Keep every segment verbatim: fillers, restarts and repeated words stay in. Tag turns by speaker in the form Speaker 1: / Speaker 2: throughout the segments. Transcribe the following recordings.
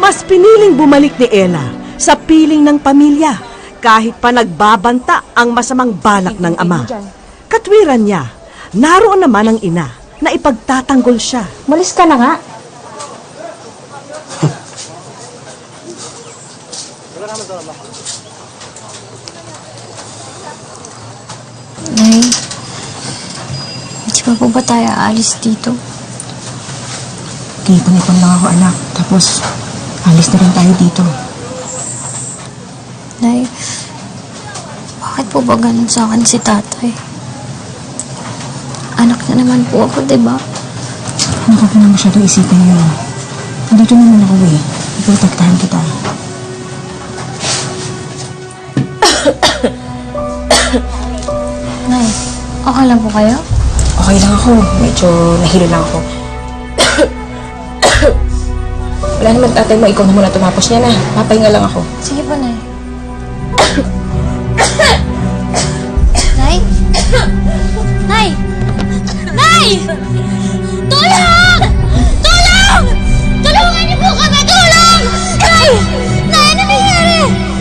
Speaker 1: Mas piniling bumalik ni Ella sa piling ng pamilya kahit pa nagbabanta ang masamang balak ng ama. Katwiran niya, naroon naman ang ina na ipagtatanggol siya.
Speaker 2: Malis ka na nga.
Speaker 3: Nay, hindi pa po ba tayo aalis dito?
Speaker 2: Ipon-ipon lang ako, anak. Tapos, alis na rin tayo dito.
Speaker 3: Nay, bakit po ba ganun sa akin si tatay? Anak na naman po ako, diba?
Speaker 2: Ano ka pa na masyado isipin yun? Andito naman ako eh. Iprotektahan kita.
Speaker 3: Nay, okay lang po kayo?
Speaker 2: Okay lang ako. Medyo nahilo lang ako. Wala naman tatay mo. Ikaw na muna tumapos niya na. Papahinga lang ako.
Speaker 3: Sige po, Nay. Nay? Nay! Nay! Tulong! Tulong! Tulungan niyo po kami! Tulong! Nay! Nay, ano nangyari?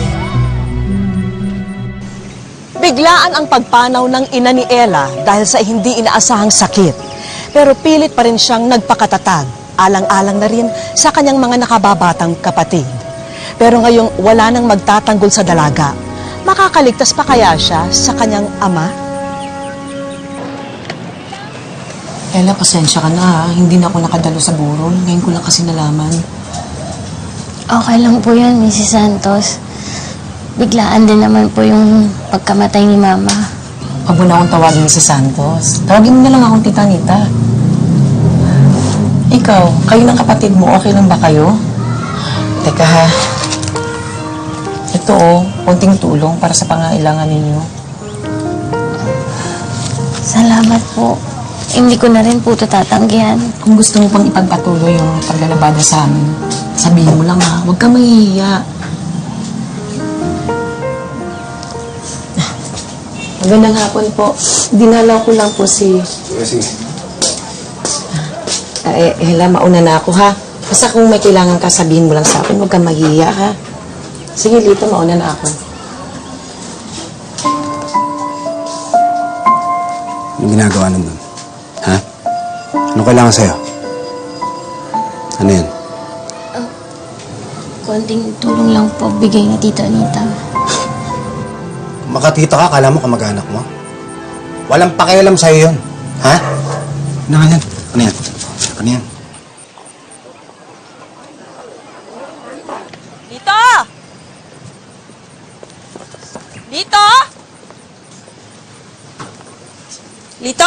Speaker 1: Biglaan ang pagpanaw ng ina ni Ella dahil sa hindi inaasahang sakit. Pero pilit pa rin siyang nagpakatatag, alang-alang na rin sa kanyang mga nakababatang kapatid. Pero ngayong wala nang magtatanggol sa dalaga, makakaligtas pa kaya siya sa kanyang ama?
Speaker 2: Ella, pasensya ka na ha. Hindi na ako nakadalo sa burol. Ngayon ko lang kasi nalaman.
Speaker 3: Okay lang po yan, Missus Santos. Biglaan din naman po yung pagkamatay ni Mama.
Speaker 2: Huwag mo na akong tawagin si Santos. Tawagin mo na lang akong Tita Nita. Ikaw, kayo ng kapatid mo, okay lang ba kayo? Teka ha. Ito oh, konting tulong para sa pangailangan ninyo.
Speaker 3: Salamat po. Hindi ko na rin po ito tatanggihan.
Speaker 2: Kung gusto mo pang ipagpatuloy yung paglalabada sa amin, sabihin mo lang ha. Huwag ka mahihiya. Magandang hapon po. Dinalaw ko lang po si...
Speaker 4: Sige, sige.
Speaker 2: Uh, eh, Hela, mauna na ako ha. Basta kung may kailangan ka, sabihin mo lang sa akin. Huwag kang mahihiya ha. Sige, Lito, mauna na ako.
Speaker 4: Anong ginagawa nandun? Ha? Anong kailangan sa'yo? Ano yan?
Speaker 3: Konting tulong lang po bigay na Tita Anita.
Speaker 4: Makatita ka, kala mo kamag-anak mo? Walang pakialam sa'yo yun. Ha? Ano nga yan? Ano yan? Ano yan?
Speaker 1: Dito! Dito! Lito!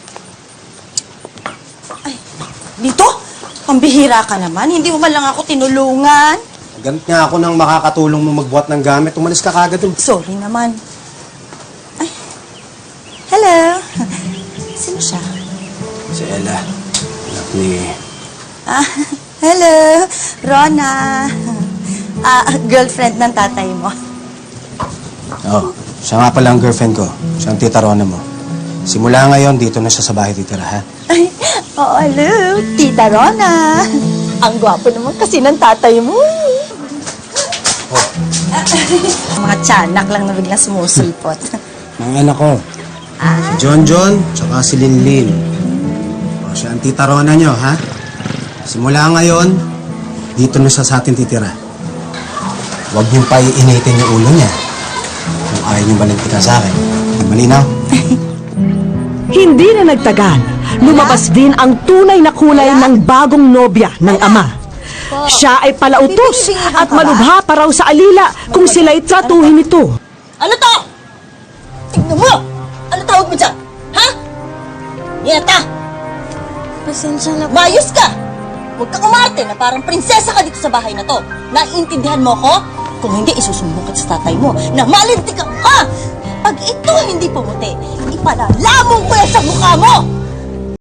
Speaker 1: Ay, Lito? Pambihira ka naman. Hindi mo man lang ako tinulungan.
Speaker 4: Ganit nga ako nang makakatulong mo magbuhat ng gamit. Umalis ka kagad dun.
Speaker 1: Sorry naman. Ay. Hello. Sino siya?
Speaker 4: Si Ella. Anak ni...
Speaker 1: Ah, hello. Rona. Ah, girlfriend ng tatay mo.
Speaker 4: Oh, siya nga pala ang girlfriend ko. Siya ang tita Rona mo. Simula ngayon, dito na siya sa bahay titira, ha?
Speaker 1: Ay, oh, hello. Tita Rona. Ang gwapo naman kasi ng tatay mo.
Speaker 4: Oh.
Speaker 1: Mga tiyanak lang na biglang sumusulpot.
Speaker 4: Mga anak ko.
Speaker 1: Ah.
Speaker 4: Si John John, tsaka si Linlin. O, siya ang tita Rona nyo, ha? Simula ngayon, dito na siya sa atin titira. Huwag niyong paiinitin yung ulo niya. Kung ayaw niyong balintikan sa akin. Malinaw?
Speaker 1: Hindi na nagtagal, lumabas din ang tunay na kulay ng bagong nobya ng ama. Siya ay palautos at malubha pa raw sa alila kung sila'y tratuhin ito.
Speaker 5: Ano to? Tignan mo! Ano tawag mo dyan? Ha? Niyata,
Speaker 3: Pasensya na po.
Speaker 5: mayos ka! Huwag kang umarte na parang prinsesa ka dito sa bahay na to. Naiintindihan mo ko? Kung hindi, isusumbong kita sa tatay mo na malintik ka, ha? Pag ito hindi pumuti, ipalalamong ko yan sa mukha mo!